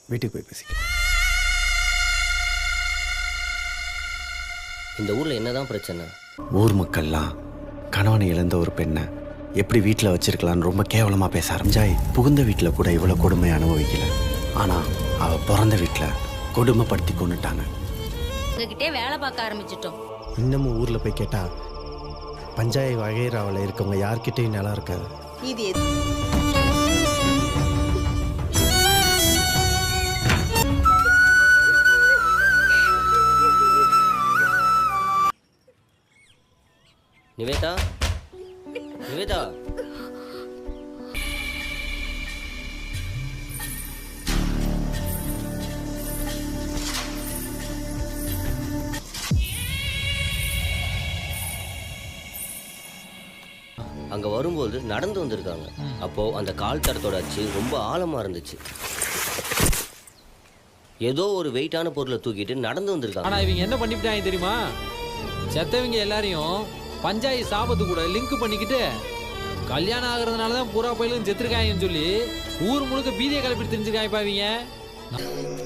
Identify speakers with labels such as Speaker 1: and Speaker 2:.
Speaker 1: வீட்டுக்கு போய் பேசிக்கலாம்.
Speaker 2: இந்த ஊரில் என்னதான் பிரச்சனை?
Speaker 1: ஊர் மக்கள்லாம் கணவனை இழந்த ஒரு பெண்ணை எப்படி வீட்டில் வச்சிருக்கலான்னு ரொம்ப கேவலமாக பேச ஆரம்பிச்சாய். புகுந்த வீட்டில் கூட இவ்வளோ கொடுமை அனுபவிக்கல, ஆனால் அவள் பிறந்த வீட்டில் கொடுமைப்படுத்தி கொண்டுட்டாங்க.
Speaker 3: உங்ககிட்டே வேலை பார்க்க ஆரம்பிச்சிட்டோம்.
Speaker 1: இன்னமும் ஊரில் போய் கேட்டால் பஞ்சாயத்து வகைராவில் இருக்கவங்க யார்கிட்டையும் நிலம் இருக்காது.
Speaker 4: இது
Speaker 2: நிவேதா, நிவேதா, அங்க வரும்போது நடந்து வந்திருக்காங்க. அப்போ அந்த கால் தடத்தோட அச்சு ரொம்ப ஆழமா இருந்துச்சு. ஏதோ ஒரு வெயிட்டான பொருளை தூக்கிட்டு நடந்து வந்திருக்காங்க.
Speaker 5: ஆனா இவங்க என்ன பண்ணிவிட்டாங்க தெரியுமா? செத்தவங்க எல்லாரையும் பஞ்சாயத்து சாபத்து கூட லிங்க் பண்ணிக்கிட்டு கல்யாணம் ஆகுறதுனால தான் பூரா பயிலும் செத்துருக்காங்கன்னு சொல்லி ஊர் முழுக்க பீதியை கிளப்பிட்டு தெரிஞ்சிருக்காங்க.